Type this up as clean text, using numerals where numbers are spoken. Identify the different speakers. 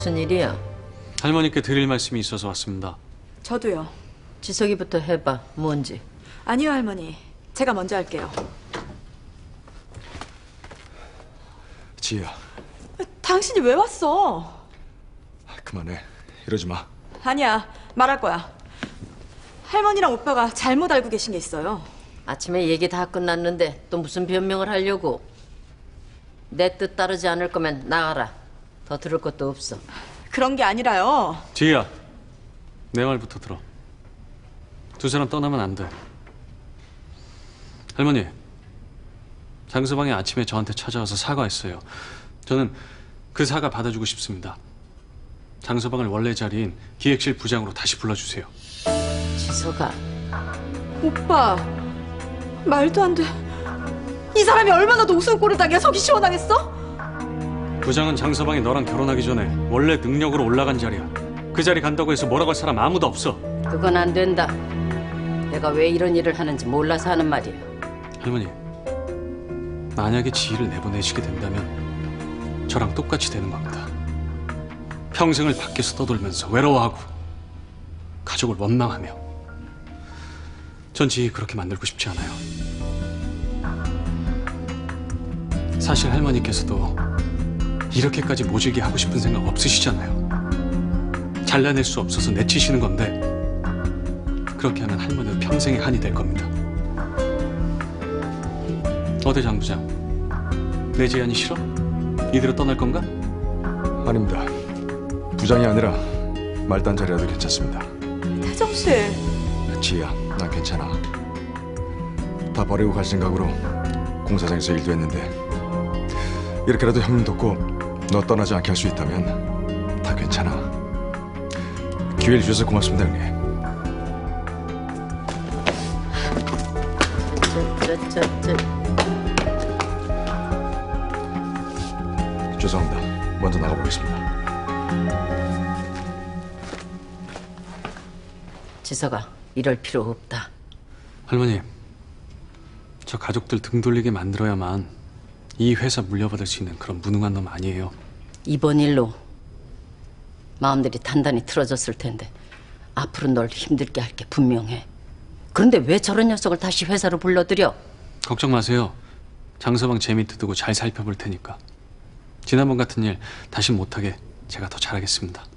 Speaker 1: 무슨 일이야?
Speaker 2: 할머니께 드릴 말씀이 있어서 왔습니다.
Speaker 3: 저도요.
Speaker 1: 지석이부터 해봐. 뭔지.
Speaker 3: 아니요, 할머니. 제가 먼저 할게요.
Speaker 4: 지희야,
Speaker 3: 당신이 왜 왔어?
Speaker 4: 그만해. 이러지 마.
Speaker 3: 아니야, 말할 거야. 할머니랑 오빠가 잘못 알고 계신 게 있어요.
Speaker 1: 아침에 얘기 다 끝났는데 또 무슨 변명을 하려고? 내 뜻 따르지 않을 거면 나가라. 더 들을 것도 없어.
Speaker 3: 그런 게 아니라요.
Speaker 2: 지희야, 내 말부터 들어. 두 사람 떠나면 안 돼. 할머니, 장서방이 아침에 저한테 찾아와서 사과했어요. 저는 그 사과 받아주고 싶습니다. 장서방을 원래 자리인 기획실 부장으로 다시 불러주세요.
Speaker 1: 지석아.
Speaker 3: 오빠, 말도 안 돼. 이 사람이 얼마나 더 우스운꼴을 당해 속이 시원하겠어?
Speaker 2: 부장은 장서방이 너랑 결혼하기 전에 원래 능력으로 올라간 자리야. 그 자리 간다고 해서 뭐라고 할 사람 아무도 없어.
Speaker 1: 그건 안 된다. 내가 왜 이런 일을 하는지 몰라서 하는 말이야.
Speaker 2: 할머니, 만약에 지희를 내보내시게 된다면 저랑 똑같이 되는 겁니다. 평생을 밖에서 떠돌면서 외로워하고 가족을 원망하며. 전 지희 그렇게 만들고 싶지 않아요. 사실 할머니께서도 이렇게까지 모질게 하고 싶은 생각 없으시잖아요. 잘라낼 수 없어서 내치시는 건데 그렇게 하면 할머니는 평생의 한이 될 겁니다. 어때, 장 부장? 내 제안이 싫어? 이대로 떠날 건가?
Speaker 4: 아닙니다. 부장이 아니라 말단 자리라도 괜찮습니다.
Speaker 3: 태정 씨.
Speaker 4: 지희야, 난 괜찮아. 다 버리고 갈 생각으로 공사장에서 일도 했는데 이렇게라도 형님 돕고 너 떠나지 않게 할 수 있다면 다 괜찮아. 기회를 주셔서 고맙습니다, 형님. 죄송합니다. 먼저 나가보겠습니다.
Speaker 1: 지석아, 이럴 필요 없다.
Speaker 2: 할머니, 저 가족들 등 돌리게 만들어야만 이 회사 물려받을 수 있는 그런 무능한 놈 아니에요.
Speaker 1: 이번 일로 마음들이 단단히 틀어졌을 텐데 앞으로 널 힘들게 할 게 분명해. 그런데 왜 저런 녀석을 다시 회사로 불러들여?
Speaker 2: 걱정 마세요. 장서방 제 밑에 두고 잘 살펴볼 테니까. 지난번 같은 일 다시 못하게 제가 더 잘하겠습니다.